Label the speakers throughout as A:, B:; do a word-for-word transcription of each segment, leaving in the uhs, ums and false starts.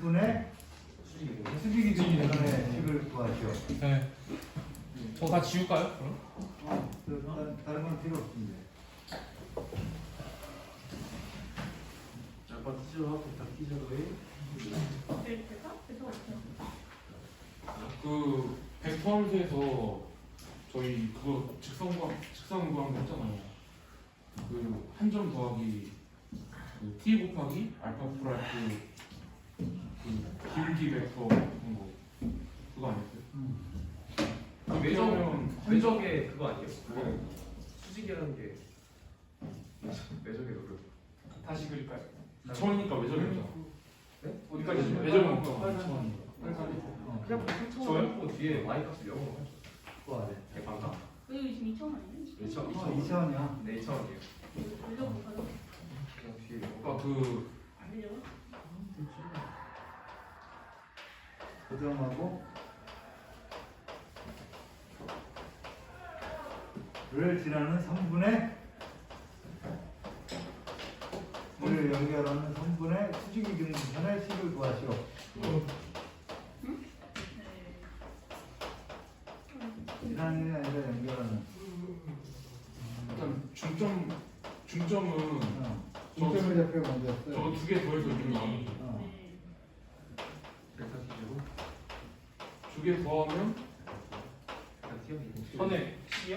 A: 삼분의 수직이 기준선의 식을 구하시오.
B: 네. 저 다 지울까요? 그럼?
A: 어, 다른, 다른 건 필요 없습니다.
C: 아빠 티저하고 다 티저로에
D: 벨트가? 벨트가 없어요.
B: 그 벡터 함수에서 저희 그거 직선 구한 직선 구한 거 했잖아요. 그 한 점 더하기 그 t 곱하기 알파 플러스 그 기울기 벡터 같은 거 그거 아니었어요?
A: 음.
C: 그 매점 매적의 그거 아니에요? 그거 수직이라는 게 매적의 노력.
B: 다시 그릴까요? 이천이니까 외절이었잖아.
C: 네?
B: 어디까지
C: 네.
B: 외절 먹죠?
A: 어,
C: 그냥 저요? 뒤에 y 값을 영어로 하죠.
A: 구하래.
C: 대방가.
D: 여기 지금 이천 원이에요?
C: 이천
A: 어, 이천이야.
C: 네 이천 원이에요.
D: 돌려볼까요?
C: 그냥 뒤에
B: 아까 그
D: 안 돼요?
A: 고정하고 를 지나는 삼분의 를 연결하는 삼분의 수직이 기준선의 식을 구하시오.
D: 네.
A: 지나는 게 아니라 연결하는.
B: 일단 중점 중점은
A: 어. 중점을 잡혀 먼저 써요.
B: 저거 두 개 더해서 있는 거 아니에요?
A: 어.
D: 네.
C: 델타 티저로
B: 두 개 더하면
C: 델타 티어
B: 선에 식이요?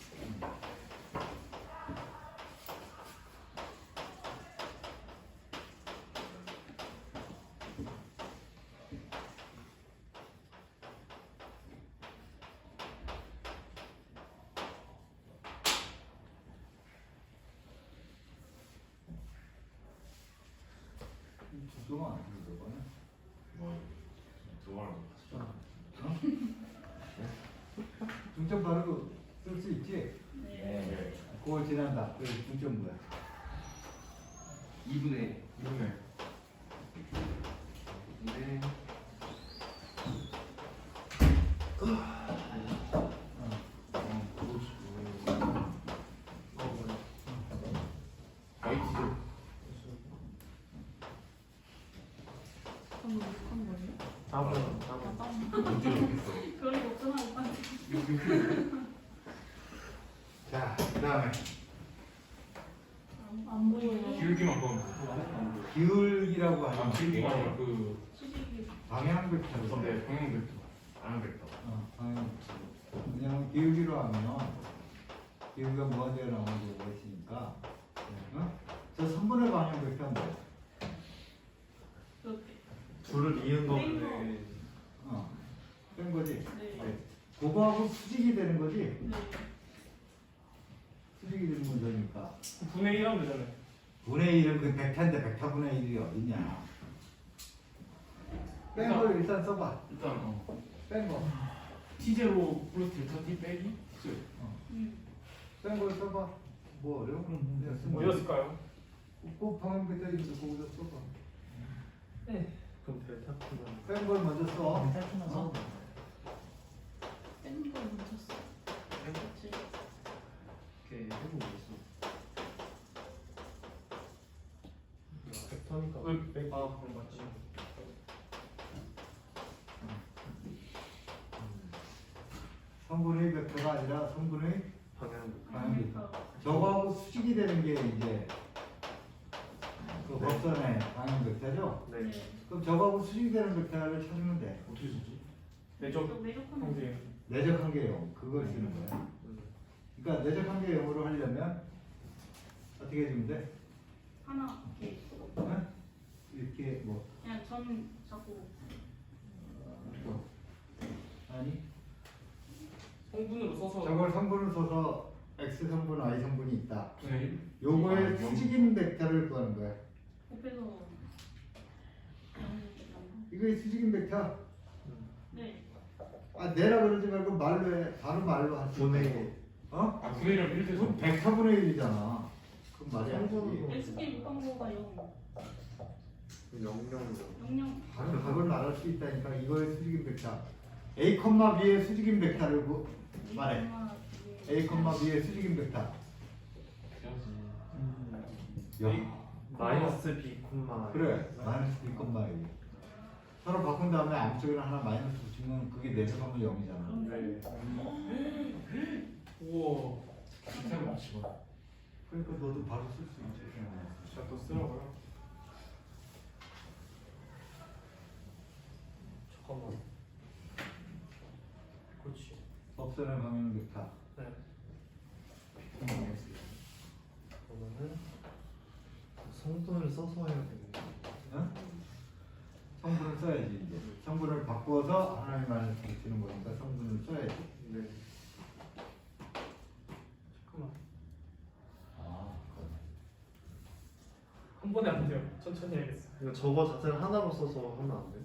A: 중점은 안 되는 거네.
B: 뭐 좋아하는
A: 어? 중점 바르고 쓸 수 있지?
D: 네.
A: 그걸 지난다. 그 중점 뭐야?
C: 이분의
B: 이분의
C: 이분의
A: 어.
B: 아이티죠.
D: 그럼 뭐 욕한 거예요?
C: 다음은 다음은
D: 잠깐만.
B: 언제 이렇겠어?
D: 그런 거 없잖아, 오빠.
A: 자, 그 다음에
D: 안, 안 보여요.
B: 기울기만 보면
A: 기울기라고
B: 아
A: 하는
B: 기울기가
A: 게
B: 아니라 그
D: 수직이.
A: 방향 벡터를 써.
B: 네, 방향 벡터 방향 벡터
A: 어, 방향 벡터. 왜냐면 기울기로 하면 기울기가 무한대가 나오는 경우가 있으니까. 어? 저 삼분의 방향 벡터는 뭐야?
D: 그렇게.
C: 둘을 이은
D: 거네.
C: 거네.
A: 어, 뺀 거지.
D: 네.
A: 그거하고 수직이 되는 거지.
D: 네.
A: 수직이 되는 문제니까.
B: 분의 일 하면 되잖아요.
A: 분의 일은 그 벡터인데 벡터분의 일이 어딨냐? 뺀 걸 일단 써봐.
B: 일단 어.
A: 뺀 거.
B: T제로 플러스 델타 T 빼기 X
D: 음.
A: 뺀 걸 써봐. 뭐 어려워? 그럼 그냥 쓰면 돼.
B: 뭐였을까요?
A: 꼭 방향 벡터 있는데 거기다 써봐.
C: 그럼 델타 T는
A: 뺀 걸 먼저 써. 어?
D: 뺀 걸 멈췄어. 그렇지.
C: 이렇게 해보고 있어. 벡터니까
B: 왜?
C: 아 그럼 맞지.
A: 삼분의 벡터가 아니라 삼분의
C: 방향
A: 방향 벡터. 저거하고 수직이 되는 게 이제 그 법선의 방향 벡터죠?
C: 네.
A: 그럼 저거하고 수직이 되는 벡터를 찾으면 돼.
B: 어떻게 쓰지?
D: 매적 매적하면
B: 형제
A: 내적한 게 영. 그걸 쓰는 거야. 그러니까 내적한 게 영으로 하려면 어떻게 해주면 돼?
D: 하나 이렇게
A: 어? 이렇게 뭐
D: 그냥 전 자꾸
A: 어, 아니
B: 성분으로 써서
A: 저걸 성분을 써서 x 성분, y 성분이 있다.
B: 분의 일
A: 요거의
B: 아,
A: 수직인 벡터를 구하는 거야.
D: 곱해서
A: 이거의 수직인 벡터.
D: 네.
A: 아 내라 그러지 말고 말로 해. 바로 말로 하지.
C: 분의
A: 어?
B: 아 분의 일이랑 일
A: 그럼
B: 대서
A: 벡터분의 일이잖아. 그럼 말이 안
C: 성분으로.
A: 되지.
D: xk 육한 거가 영.
C: 영영으로.
D: 영영.
A: 바로 답을 말할 수 있다니까. 이거의 수직인 벡터. a, b의 수직인 벡터를 구, 말해. a, b의 수직인 벡터. 야,
C: 마이너스 b 콤마
A: 그래. 마이너스 b, 일. 서로 바꾼 다음에 아무쪽이나 하나 마이너스 붙이면 그게 내수하면 영이잖아.
C: 네.
B: 우와. 기타를 맞추고.
A: 그러니까 너도 바로 쓸 수 있지.
C: 제가 또 쓰라고요? 잠깐만. 그렇지.
A: 없애는 방향 벡터.
C: 네. 그러면은 성분을 써서 해야 되는데.
A: 응? 성분을 써야지 이제. 성분을 바꿔서 하나의 마이너스 붙이는 거니까 성분을 써야지.
C: 네. 잠깐만.
A: 아,
E: 한 번에 안 돼요. 천천히 해야겠어.
C: 이거 저거 자체를 하나로 써서 하면 안 돼?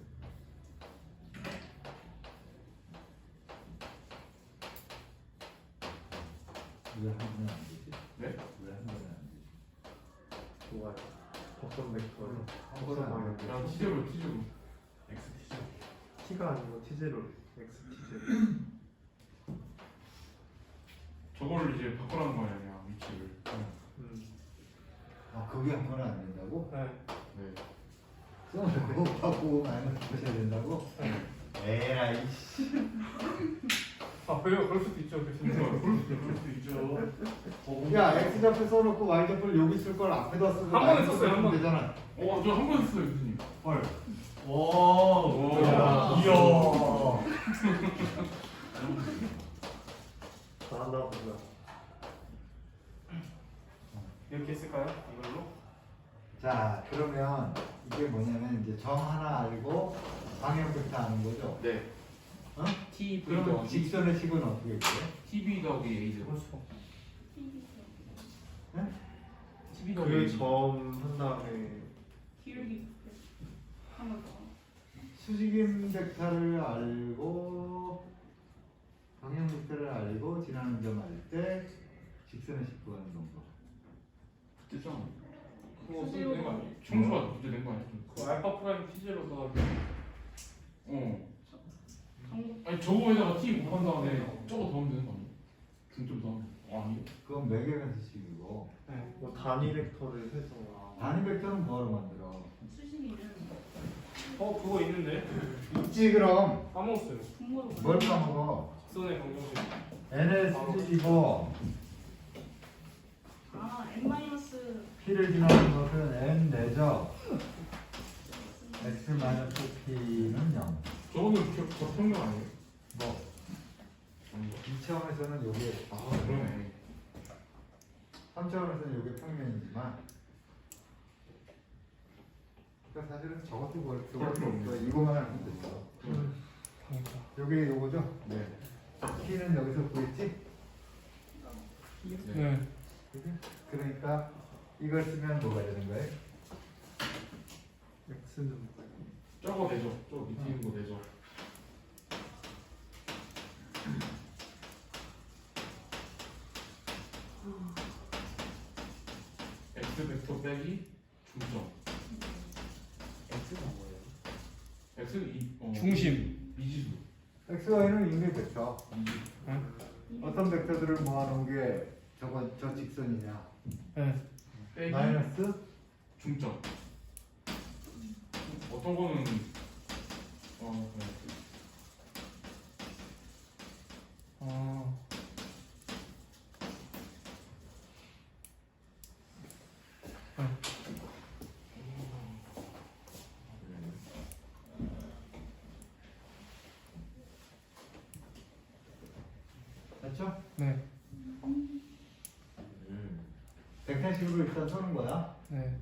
A: 왜한 번에 안 되지?
B: 네?
A: 왜 한 번에 안 되지?
C: 좋아요. 법선 벡터를
A: 한
C: 법선
A: 번에 안
C: 방향
A: 되지.
B: 난 티제로 티제로. X 티제로.
C: T가 아니고 T제로 X T제로.
B: 저거를 이제 바꾸라는 거 아니야 위치를.
C: 음.
A: 아, 그게 한 번에 안 된다고?
C: 네.
B: 네.
A: 써놓고 바꾸고 마이너스 붙여야 된다고? 에라이 씨.
E: 아 왜요? 그럴 수도 있죠. 교수님.
B: 그럴 수도 있죠.
A: 야, X좌표 써놓고 Y좌표를 여기 쓸 걸 앞에다 쓰고
E: 한 번에
A: 마이너스
E: 썼어요, 한 번.
A: 되잖아.
B: 어, 저 한 번 했어요, 교수님.
A: 헐.
B: 오.
A: 오.
B: 야.
A: 이야.
C: 잘한다 보자.
E: 이렇게 했을까요? 이걸로?
A: 자, 그러면 이게 뭐냐면 이제 정 하나 알고 방향 벡터 아는 거죠?
B: 네.
A: 어?
B: T V
A: 그러면
B: 더하기
A: 직선의 식은 어떻게 돼?
B: T V 더하기 A 제로.
E: 그럴 수가 없어.
A: 네?
B: T V 더하기
C: 그
B: A 제로.
C: 점 한 다음에
D: 기울기 한번 더.
A: 수직인 벡터를 알고 방향 벡터를 알고 지나는 점 알 때 직선의 식 구하는 방법.
B: 됐잖아.
E: 그거 쓰는 거 아니에요?
B: 청소가 문제된 거 아니야?
E: 그 알파 프라임 티제로 더
B: 어.
D: 정보
B: 아니 저거에다가 T 곱한 다음에 저거 더하면 되는 거 아니야? 중점 더하면. 아 아니요.
A: 그건 매개변수식이고
E: 네.
C: 뭐 단위 벡터를 해서
A: 단위 벡터는 뭐하러 만들어?
D: 수식이는
E: 어 그거 있는데
A: 있지 그럼.
E: 까먹었어요.
D: 분모로
A: 뭘 까먹어?
E: 직선의 방정식.
A: n의 수직이고
D: 아 n 마이너스
A: p를 지나는 것은 n 내죠. x 마이너스 p는 영.
B: 저거는 저, 저 평균 아니에요?
A: 뭐
B: 아닌가?
A: 이 차원에서는 요게
B: 아 그러네.
A: 삼 차원에서는 요게 평면이지만 그러니까 사실은 저것도 뭘
B: 그럴 필요 없네.
A: 이거만 하면 됐어. 요게 요거죠?
B: 네.
A: p는 여기서 구했지?
B: 네.
A: 그지? 그러니까 이걸 쓰면 뭐가 되는 거예요?
C: X는 뭐예요?
B: 저거 되죠. 저거 밑에 있는 거 되죠. X 벡터 빼기 중점.
C: X가 뭐예요?
B: X는 이 어,
E: 중심.
B: 미지수.
A: x, y는 인계 벡터.
B: 미지수.
A: 어떤 벡터들을 모아놓은 게 저거 저 직선이냐?
E: 네.
B: 빼기
A: 마이너스
B: 중점. 어떤 거는 어 네.
E: 아.
A: 맞죠?
E: 네.
A: 벡터식으로 일단 써는 거야.
E: 네.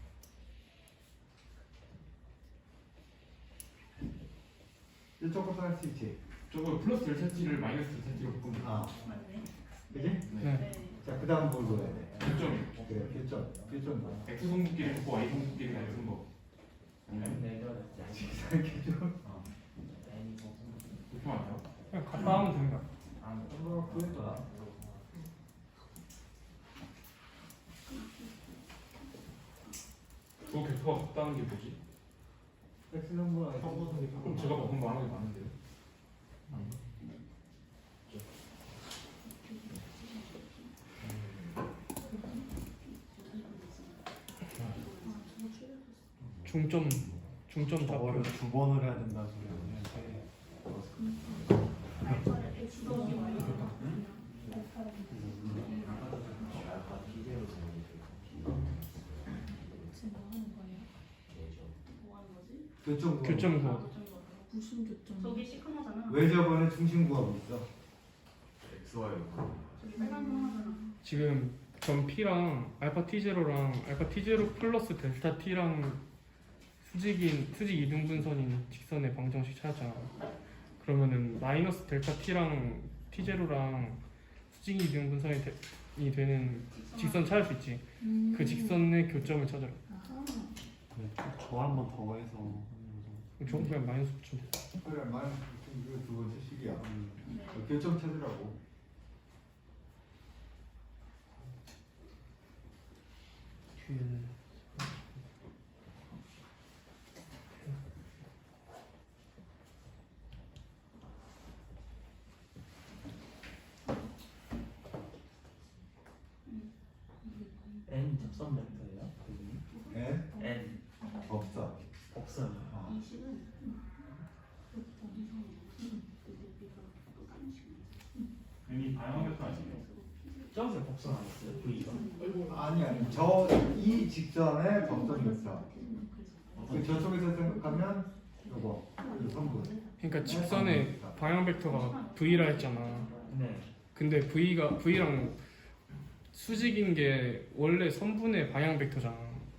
A: 이쪽부터 할 수 있지.
B: 저거 플러스 델타 t를 마이너스 델타 t로 바꾸면
A: 아,
D: 맞네.
A: 그지?
B: 네.
E: 네.
D: 네.
A: 자, 그 다음 뭘 넣어야 돼?
B: 교점.
A: 그래, 교점. 교점 뭐야?
B: X 성분끼리 붙고 Y 성분끼리 같은 거. 아니면
A: 직선 교점. 어.
B: 그렇게 말해요?
E: 그냥 갖다 하면 됩니다.
A: 뭐, 그거야.
B: 그거 벡터가 같다는 게 뭐지?
A: x는 뭐,
B: 그럼 제가 바꾼 거 하나 게 맞는데요?
E: 중점 중점
C: 저거를
E: 좌표.
C: 두 번을 해야 된다는 소리야.
D: 알파를 X 더하기 Y 제곱.
F: 지금 뭐 하는 거예요?
D: 뭐 하는 거지?
A: 교점 구하고.
E: 교점
D: 아,
E: 구하고.
D: 어쩐 거.
F: 무슨 교점?
D: 저기 시커머잖아.
A: 왜 저번에 중심 구하고 있어?
B: 엑스 와이.
D: 저기 빨간 거 하잖아.
E: 지금 점 P랑 알파 T 제로랑 알파 T 제로 플러스 델타 T랑 수직인 수직 이등분선인 직선의 방정식 찾았잖아. 그러면은 마이너스 델타 T랑 T 제로랑 수직 이등분선이 되, 이 되는 직선 찾을 수 있지.
F: 음.
E: 그 직선의 교점을 찾아라.
F: 아하.
C: 저 한 번 더 해서.
E: 저 그냥 마이너스 붙이면 돼.
A: 그래, 마이너스 이거 두 번째 식이야.
D: 네.
A: 교점 찾으라고.
E: 뒤에는
G: N 접선 벡터예요? 그분이?
A: N
G: N
A: 없어.
G: 없어요.
A: 어.
D: 이 식은 여기서 여기가 또 다른 식이야.
B: 괜히 방향부터 아니에요?
G: 저기서 복선 안 했어요? V가?
A: 아니 아니 저 이 직선의 법선 있어. 그 저쪽에서 생각하면 이거 이 성분.
E: 그러니까 직선의 방향 벡터가 V라 했잖아.
G: 네.
E: 근데 V가 V랑 수직인 게 원래 선분의 방향 벡터잖아.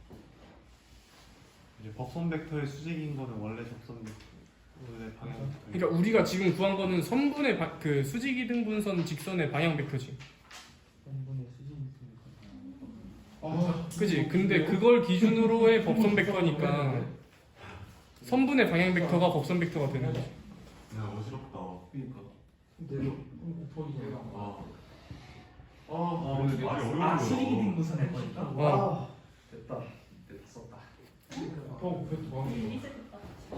C: 이제 법선 벡터의 수직인 거는 원래 접선 벡터의 방향 벡터.
E: 그러니까 우리가 지금 구한 거는 선분의 바, 그 수직 이등분선 직선의 방향 벡터지.
G: N분의 수직이 있으니까.
B: 아,
E: 그지? 근데 그걸 기준으로의 법선 벡터니까 선분의 방향 벡터가 법선 벡터가 되는 거지.
B: 야 어지럽다.
G: 그러니까.
B: 내려. 곱하기 내가. 아. 아,
G: 아,
B: 근데 말이 어려운
G: 아,
B: 거야.
G: 수직이 빈분선 할 거니까?
E: 어.
G: 됐다. 됐다. 썼다.
B: 어, 그래도 뭐 하는 거야?
D: 리셋했다.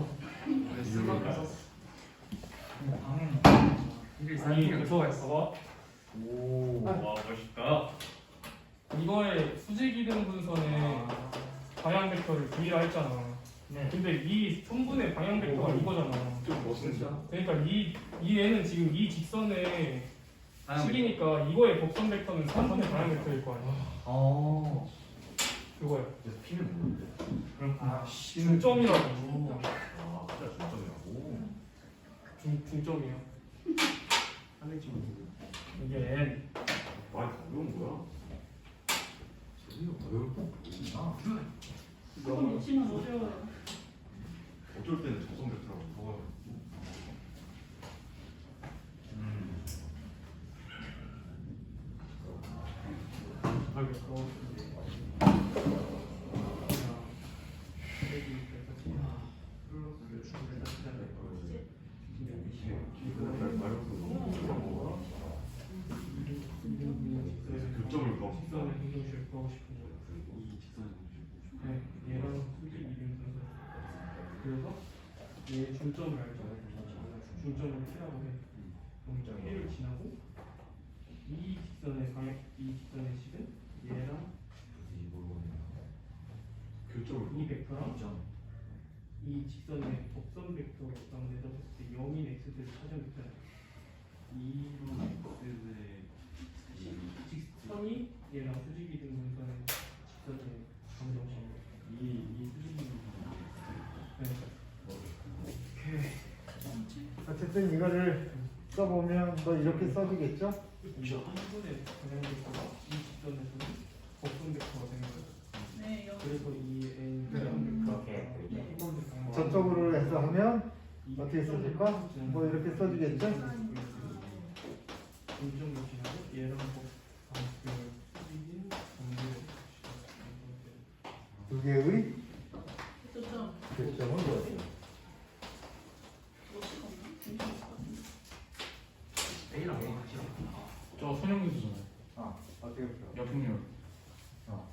G: 방향.
E: 아니 그거 했어.
G: 오. 와, 멋있다.
E: 이거의 수직 이등분선의 방향 벡터를 V라 했잖아.
G: 네.
E: 근데 이 선분의 방향 벡터가 이거잖아.
B: 좀 멋있다.
E: 그러니까 이, 이 애는 지금 이 직선의 식이니까 이거의 법선 벡터는 선분의 방향 벡터일 거 아니야.
G: 어.
E: 그거야.
B: 그래서 피는 뭐는데?
G: 그렇구나.
E: 중점이라고.
B: 아, 진짜 중점이라고.
E: 중, 중점이야.
G: 하늘지 뭐.
E: 이게 N.
B: 말이 더 어려운 거야? 재미가 어려울 거 없구나.
D: 그거 놓치면 어려워요.
B: 어쩔 때는 저성 벡터라고 적어요. 음. 교점을 더
E: 직선의 방정식을 구하고 싶은 거야. 네, 얘랑 수직 이등분선. 그래서 얘 중점을 알죠. 중점을 P라고 해. 그럼 P를 지나고 이 직선의 방향, 이 직선의 식은 얘랑
B: 교점을
E: 이 벡터랑 이 직선의 법선 벡터랑 내다봤을 때 영인 x를 찾은 벡터야. 이로 x의 직선이 얘랑 수직 이등분선의 직선의 방정식이야. 이이 수직 이등분선. 네.
A: 어쨌든 이거를 써보면 뭐 이렇게 써지겠죠?
E: 이거 한 번에 방향 벡터가 이 직선에서는 법선 벡터가 되는 거야.
D: 네, 여기.
E: 그래서 이 n 방향
G: 그렇게
E: 벡터가
A: 저쪽으로 해서 하면 어떻게 써질까? 뭐 이렇게 써지겠죠?
E: 중점을 지나고 얘랑 그 수직인 정비를
A: 두 개의
D: 좋죠.
A: 교점은 뭐였어요?
D: 로치가 없나? 중심 있을 것 같은데.
G: A랑 A 같이.
B: 저 선형유수잖아요.
A: 아, 어떻게 풀어?
B: 역풍열.
A: 어.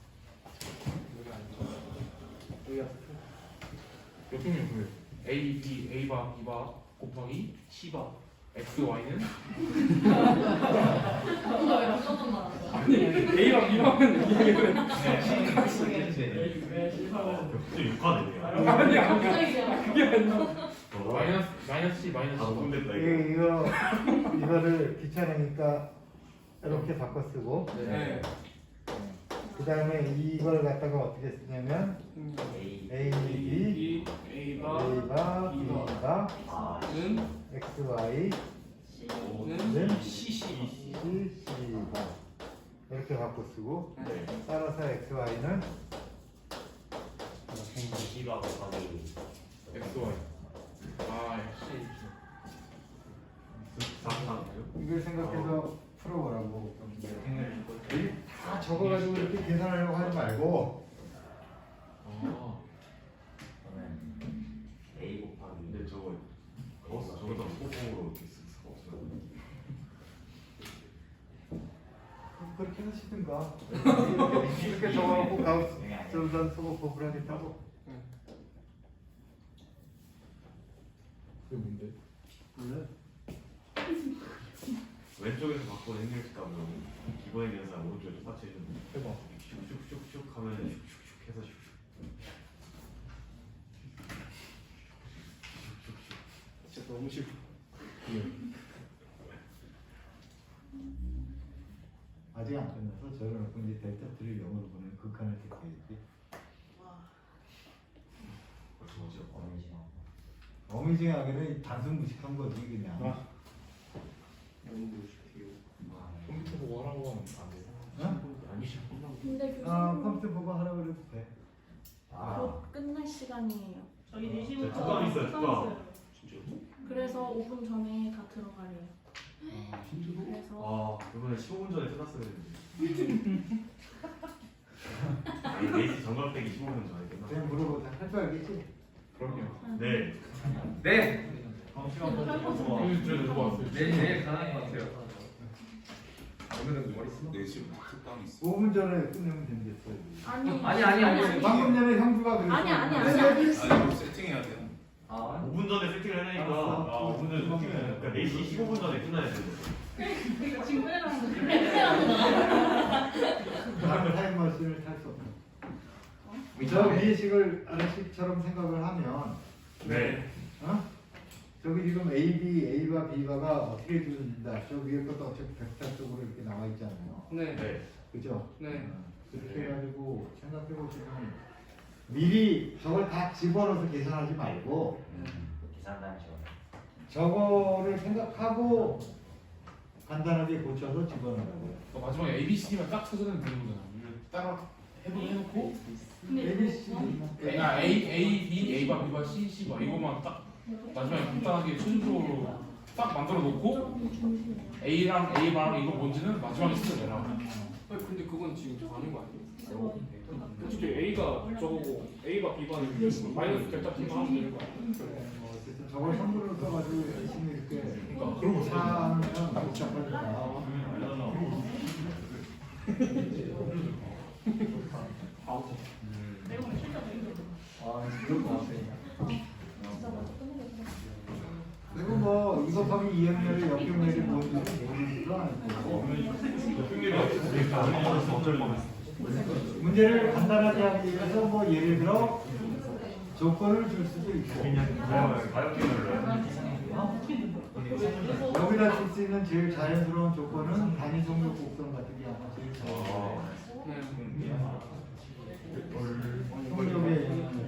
B: 역풍열 그 A, B, A 바, B 바 곱하기 C 바 x, y는
F: 뭔가 왜 어떤 말 하는 거야?
E: 아니 A랑 B랑은 이해는
H: 갑자기 육화되네요.
E: 아니 아니야
F: 갑자기 그냥
E: 그게 아니라
B: 마이너스 마이너스 C 마이너스
H: 아,
B: 일.
H: 혼냈다 이거.
A: 이- 이거 이거를 귀찮으니까 이렇게 바꿔 쓰고
B: 네.
A: 그 다음에 이걸 갖다가 어떻게 쓰냐면
G: A.
A: A, B,
E: B A가
A: A가 B가
G: 아.
E: 는
A: X, Y는
E: 는 C C
A: C, C가 이렇게 바꿔 쓰고
B: 네.
A: 따라서 X, Y는
G: B가 곱하기
B: x, y. 아 역시
A: 이걸 생각해서 풀어보라고. 다 적어가지고 이렇게 계산하려고 하지 말고
B: 아
G: 저는 A 곱하기
H: 근데 저거 거기서 저기다 소품으로 이렇게 쓸 수가 없어요.
A: 그렇게 하시든가. 이렇게 적어놓고 가우스전 쓰고 고불하겠다고.
B: 그게 뭔데?
A: 몰라.
H: 왼쪽에서 바꿔 행렬식하면 기본에 대한 사람 오른쪽에 똑같이 해주는 거예요.
B: 해봐.
H: 슉슉슉슉 하면 슉슉슉 해서 슉슉.
E: 진짜 너무 싫어.
A: 아직 안 끝나서 저려놓고 이제 델타 쓰리를 영어로 보내는 극한을 택해야지.
H: 벌써 뭐지?
G: 어느 시간
A: 어미징하게는 단순 무식한 거지 그냥.
E: 아.
B: 컴퓨터 보고 하라고 하면 안 돼요?
A: 응?
B: 아니죠.
F: 근데
A: 아
F: 교수님
A: 컴퓨터 보고 하라고 그래도 돼.
G: 아.
F: 곧 끝날 시간이에요.
D: 저희 네 시부터
H: 특강 있어요, 특강.
F: 그래서 오 분 전에 다 들어가래요. 그래서
H: 아 그러면 십오 분 전에 끝났어야 했는데. 아니 네시 정각 빼기 십오 분 전에 끝났어.
A: 그냥 물어보자. 할 줄 알겠지?
B: 그럼요.
H: 네.
I: 네.
B: 오늘 저희 누가 왔어요?
I: 내일 내일 가능할 것 같아요. 오늘은 머리 쓰나?
J: 네 시부터 특강 있어.
A: 오 분 전에 끝내면 된댔어.
F: 아니
I: 아니, 아니, 아니.
A: 방금 전에 형주가 그랬어.
F: 아니, 아니, 아니.
A: 왜
J: 아니 이거 세팅해야 돼요.
G: 아.
H: 오 분 전에 세팅을 해내니까
A: 알았어.
H: 아, 오 분 전에 세팅을 해야 그러니까 네 시 십오 분 전에 끝나야 되는데.
D: 이거 지금 빼라는 거.
A: 나는 타임머신을 탈 수 없어. 저 미식을 아래식처럼 생각을 하면
H: 네.
A: 어? 저기 지금 A, B, A와 B가 어떻게 주어진다. 저 위에 것도 어차피 벡터 쪽으로 이렇게 나와 있잖아요.
E: 네.
H: 네.
A: 그죠?
E: 네.
A: 어, 그렇게 해가지고 생각해 보시면 미리 저걸 다 집어넣어서 계산하지 말고
G: 계산단 시간
A: 저거를 생각하고 간단하게 고쳐서 집어넣으라고요.
B: 어, 마지막에 A, B, C만 딱 찾아내면 되는 거잖아. 이걸 따라 해보 해놓고
A: A, B, C.
B: A, 아, A, A, B, A바, B바, C, C바 이거만 딱 마지막에 간단하게 순서로 딱 만들어 놓고 A랑 A랑 이거 뭔지는 마지막에 쓰내라.
E: 아니 근데 그건 지금 아닌 거 아니에요? 솔직히 A가 저거고 A가 B가 마이너스 델타 T만 하면 되는 거 아니에요?
A: 어, 어쨌든 저걸 선물로 써가지고 열심히 이렇게
B: 그러니까 그런 거
A: 사하면 복잡하니까.
D: 내가 오늘 실적 얘기해.
A: 아, 그럴 것 같아. 그리고 뭐 이거 하면 이 학년을 역경내리 모르지도 않고
H: 어쩔 뻔했어.
A: 문제를 간단하게 하기 위해서 뭐 예를 들어 조건을 줄 수도 있고 여기다 줄 수 있는 제일 자연스러운 조건은 단위 성격 곡선 같은 게 아마 제일 자연스러워. 성격의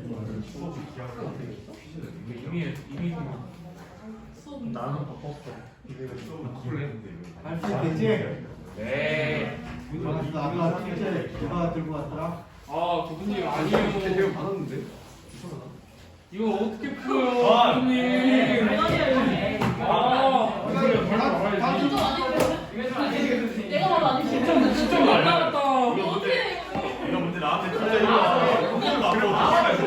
B: 이미 이미
C: 나는 바꿨어.
A: 할수 있겠지?
B: 네.
A: 좋았어. 아까 첫째 누가 들고 왔더라?
E: 아 교수님 아니에요.
C: 받았는데.
E: 이거 어떻게 풀어요 교수님? 아
F: 내가 봐도 아니지.
E: 진짜 말라갔다.
H: 이거 문제 이거 문제 나한테 틀려 이거 공부를 앞으로 다시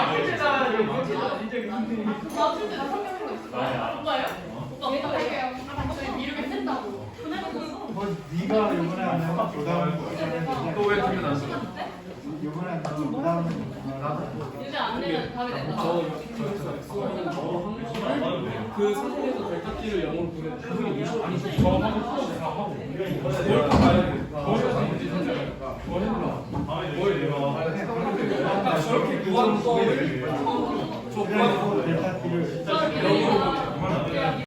F: 맞출 때나 설명한 거 있어.
H: 나야.
F: 오빠예요? 오빠 얘가 할게요. 저희 이렇게 쓴다고.
A: 뭐 네가 이번에 안 하면 그 다음에
I: 또왜 그게 나서?
A: 이번에 안 하면 그 다음에 나도
F: 이제 안 내면 답이 된다.
E: 저 저, 저, 저, 저, 저, 저, 저, 저, 저, 그 상태에서 델타 t를 영으로 보내주시면 아니 저 하고 플러스 사 하고
I: 이번에 내가 가야 돼.
E: 거기서 이제 선택할까? 뭐 해보라.
I: 뭘 내가
E: 아까 저렇게 구하는 거
A: 그래서 델타 t를